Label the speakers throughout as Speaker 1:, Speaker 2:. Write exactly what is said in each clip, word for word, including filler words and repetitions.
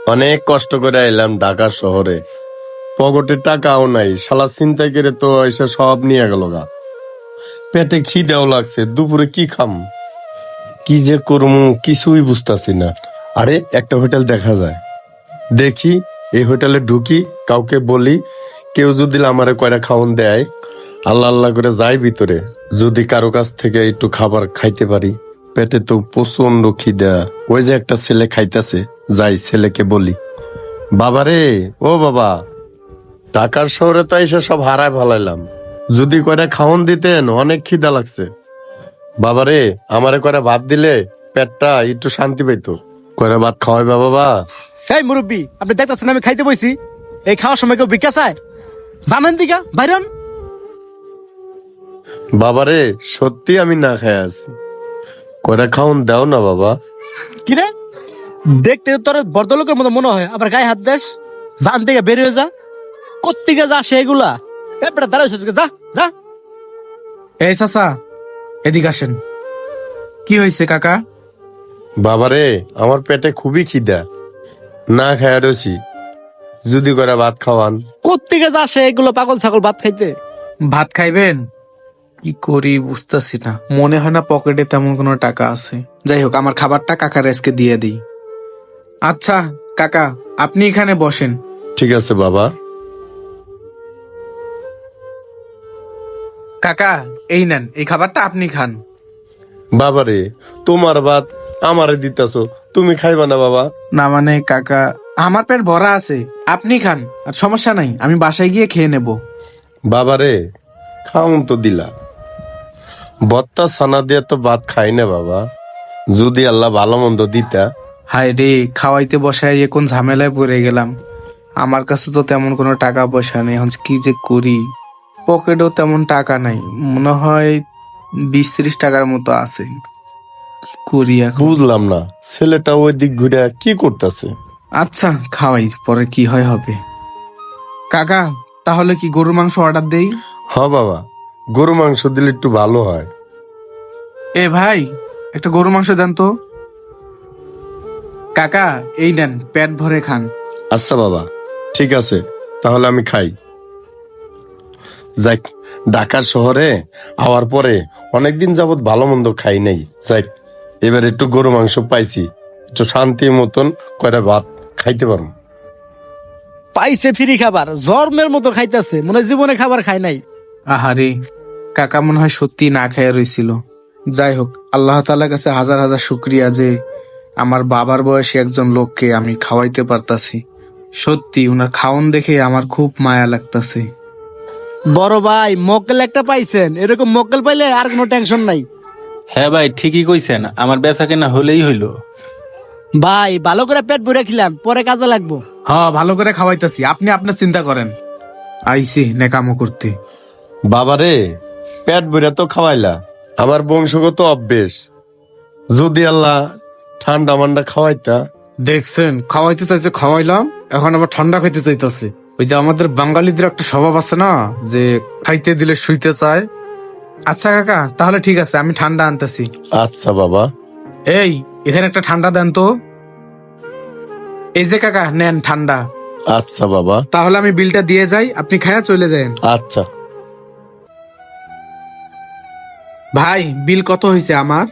Speaker 1: অনেক কষ্ট করে এলাম ঢাকা শহরে, পকেটে টাকাও নাই, শালা চিন্তাই করে তো এসে সব নিয়ে গেল গা। পেটে খিদেও লাগছে, দুপুরে কি খাম, কি যে করবো কিছুই বুঝতাছি না। আরে একটা হোটেল দেখা যায়, দেখি এই হোটেলে ঢুকি, কাউকে বলি, কেউ যদি আমারে কয়টা খাওন দেয়, আল্লাহ আল্লাহ করে যাই ভিতরে, যদি কারো কাছ থেকে একটু খাবার খাইতে পারি। পেটে তো প্রচন্ড খিদা। ওই যে একটা ছেলে খাইতেছে, যাই ছেলেকে বলি, বাবারে ও বাবা, ঢাকার শহরে তো এসে সব হারায় ভালাইলাম, যদি কয়টা খাওন দিতেন, অনেক খিদা লাগছে। বাবারে আমারে কয়টা ভাত দিলে পেটটা একটু শান্তি পাইতো। কয়টা ভাত খাওয়াই বাবা।
Speaker 2: এই মুরব্বী, আপনি দেখতেছেন আমি খাইতে বইছি, এই খাওয়ার সময় কেউ ভিক্ষা চায়? জানেন দিকা বাইরন।
Speaker 1: বাবারে সত্যি আমি না খাই আছি, কয়টা খাওন দাও না বাবা।
Speaker 2: কিরে, দেখতে তোর বর্দলোকের মতো মনে হয়, আবার গায়ে হাত দেশ। জান থেকে বের হয়ে যা, কোত্তিকে যা সেগুলা এবারে দাঁড়াইছে, যা যা।
Speaker 3: এই চাচা, এদিকে আসেন। কি হয়েছে কাকা?
Speaker 1: বাবারে আমার পেটে খুবই খিদা, না খায় রয়েছি, যদি করে ভাত খাওয়ান।
Speaker 2: কোত্তিকে যা সেগুলো পাগল ছাগল ভাত খাইতে।
Speaker 3: ভাত খাইবেন? কি করি বুঝতেছি না, মনে হয় না পকেটে তেমন কোনো টাকা আছে। যাই হোক, আমার খাবারটা কাকার আজকে দিয়ে দিই। আচ্ছা কাকা, আপনি এখানে বসেন।
Speaker 1: ঠিক আছে বাবা।
Speaker 3: কাকা এই নেন, এই খাবারটা আপনি খান।
Speaker 1: বাবারে তোমার ভাত আমারে দিতেছো, তুমি খাইবা না বাবা?
Speaker 3: না মানে কাকা, আমার পেট ভরা আছে, আপনি খান, আর সমস্যা নাই, আমি বাসায় গিয়ে খেয়ে নেব।
Speaker 1: বাবারে খাওন তো দিলা, বত্তা ছানা দিয়ে তো ভাত খাই না বাবা, যদি আল্লাহ ভালো মন্দ দিতা।
Speaker 3: হায় রে, খাওয়াইতে বসায় যে কোন ঝামেলায় পড়ে গেলাম। আমার কাছে তো তেমন কোনো টাকা পয়সা নেই, এখন কি যে করি। পকেটেও তেমন টাকা নাই, মনে হয় বিশ ত্রিশ টাকার মতো আছে। কি করি এখন?
Speaker 1: বুঝলাম না ছেলেটা ওই দিক ঘুরে কি করতেছে।
Speaker 3: আচ্ছা খাওয়াই, পরে কি হয় হবে। কাকা তাহলে কি গরুর মাংস অর্ডার দেই?
Speaker 1: হ বাবা, গরু মাংস দিলে একটু ভালো হয়।
Speaker 3: এ ভাই, একটা গরু মাংস দেন তো। কাকা এই নেন, পেট ভরে খান।
Speaker 1: আচ্ছা বাবা, ঠিক আছে, তাহলে আমি খাই। যাক, ঢাকার শহরে আওয়ার পরে অনেকদিন যাবত ভালো মন্দ খাই নাই। যাক, এবার একটু গরু মাংস পাইছি, একটু শান্তি মতন কয়টা ভাত খাইতে পারবো।
Speaker 2: পাইছে ফ্রি খাবার, জর্মের মতো খাইতেছে, মনে হয় জীবনে খাবার খায় নাই।
Speaker 3: আহারে, কাকা মনে হয় সত্যি না খাইয়া রইছিল। যাই হোক, আল্লাহ তাআলার কাছে হাজার হাজার শুক্রিয়া যে আমার বাবার বয়সী একজন লোককে আমি খাওয়াইতে পারতাছি। সত্যি উনার খাওন দেখে আমার খুব মায়া লাগতাছে।
Speaker 2: বড় ভাই, মক্কেল একটা পাইছেন, এরকম মক্কেল পাইলে আর কোনো টেনশন নাই।
Speaker 4: হ্যাঁ ভাই, ঠিকই কইছেন, আমার বেচা কেনা হলেই হইল।
Speaker 2: ভাই ভালো করে পেট ভরে খিলান, পরে কাজে লাগবো।
Speaker 3: হ্যাঁ, ভালো করে খাওয়াইতাছি, আপনি আপনার চিন্তা করেন। আইসি নেকামো করতে।
Speaker 1: বাবারে পেট ভরে তো খাওয়াইলা, আমার বংশগত অভ্যেস, যদি আল্লাহ ঠান্ডা মান্ডা খাওয়াইতা।
Speaker 3: দেখছেন, খাওয়াইতে চাইছে খাওয়াইলাম, এখন আবার ঠান্ডা খাইতে চাইতেছে। ওই যে আমাদের বাঙালিদের একটা স্বভাব আছে না, যে খাইতে দিলে শুইতে চায়। আচ্ছা কাকা, তাহলে ঠিক আছে, আমি ঠান্ডা আনতেছি।
Speaker 1: আচ্ছা বাবা।
Speaker 3: এই, এখানে একটা ঠান্ডা দেন তো। এই যে কাকা, নেন ঠান্ডা।
Speaker 1: আচ্ছা বাবা।
Speaker 3: তাহলে আমি বিলটা দিয়ে যাই, আপনি খায়া চলে যান।
Speaker 1: আচ্ছা
Speaker 3: ভাই, বিল কত হয়েছে আমার?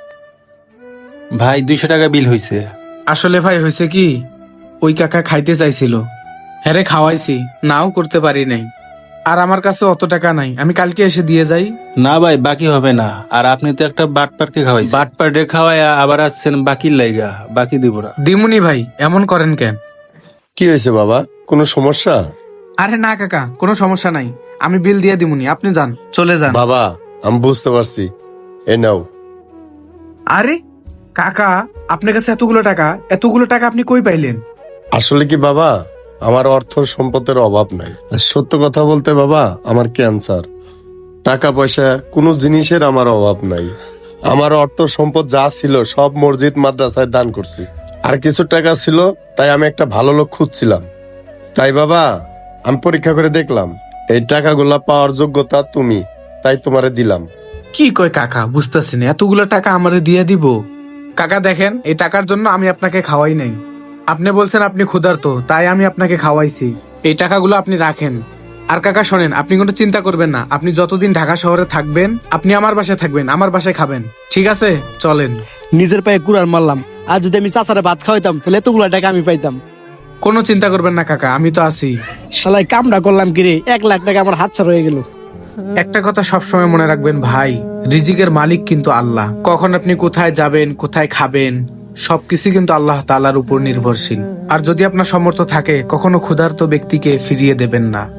Speaker 4: ভাই দুইশো টাকা বিল হইছে।
Speaker 3: আসলে ভাই হয়েছে কি, ওই কাকা খাইতে চাইছিল, হ্যাঁ রে খাওয়াইছি, নাও করতে পারি নাই। আর আমার কাছে অত টাকা নাই, আমি কালকে এসে দিয়ে যাই।
Speaker 4: না ভাই, বাকি হবে না, আর আপনি তো একটা বাটপারকে খাওয়াই, বাটপারে খাওয়াই আবার আসছেন বাকির লাইগা, বাকি দিব না।
Speaker 3: দিমুনি ভাই, এমন করেন কেন?
Speaker 1: কি হয়েছে বাবা, কোনো সমস্যা?
Speaker 3: আরে না কাকা, কোনো সমস্যা নাই, আমি বিল দিয়ে দিমুনি, আপনি যান, চলে যান।
Speaker 1: বাবা আমি বুঝতে পারছি, এ নাও।
Speaker 3: আরে কাকা, আপনার কাছে এতগুলো টাকা, এতগুলো টাকা আপনি কই পাইলেন?
Speaker 1: আসলে কি বাবা, আমার অর্থ সম্পদের অভাব নাই, আর সত্য কথা বলতে বাবা, আমার ক্যান্সার। টাকা পয়সা কোনো জিনিসের আমার অভাব নাই। আমার অর্থ সম্পদ যা ছিল সব মসজিদ মাদ্রাসায় দান করছি, আর কিছু টাকা ছিল, তাই আমি একটা ভালো লোক খুঁজছিলাম। তাই বাবা আমি পরীক্ষা করে দেখলাম এই টাকাগুলা পাওয়ার যোগ্যতা তুমি, তাই তোমারে দিলাম।
Speaker 3: কি কয় কাকা, বুঝতেছেন, এতগুলো টাকা আমারে দিয়ে দিব? কাকা দেখেন, এই টাকার জন্য আমি আপনাকে খাওয়াই নাই, আপনি বলছেন আপনি ক্ষুধার্ত, তাই আমি আপনাকে খাওয়াইছি। এই টাকাগুলো আপনি রাখেন। আর কাকা শোনেন, আপনি কোনো চিন্তা করবেন না। আপনি যতদিন ঢাকা শহরে থাকবেন, আপনি আমার বাসায় থাকবেন, আমার বাসায় খাবেন, ঠিক আছে? চলেন।
Speaker 2: নিজের পায়ে কুড়াল মারলাম, আর যদি আমি চাচারে ভাত খাওয়াইতাম তাহলে এতগুলা টাকা আমি পাইতাম।
Speaker 3: কোনো চিন্তা করবেন না কাকা, আমি তো আছি।
Speaker 2: শালাই কামড়া করলাম কিরে, এক লাখ টাকা আমার হাত ছাড়া হয়ে গেল।
Speaker 3: একটা কথা সবসময় মনে রাখবেন ভাই, রিজিকের মালিক কিন্তু আল্লাহ। কখন আপনি কোথায় যাবেন, কোথায় খাবেন, সবকিছু কিন্তু আল্লাহ তাআলার উপর নির্ভরশীল। আর যদি আপনার সামর্থ্য থাকে, কখনো ক্ষুধার্ত ব্যক্তিকে ফিরিয়ে দেবেন না।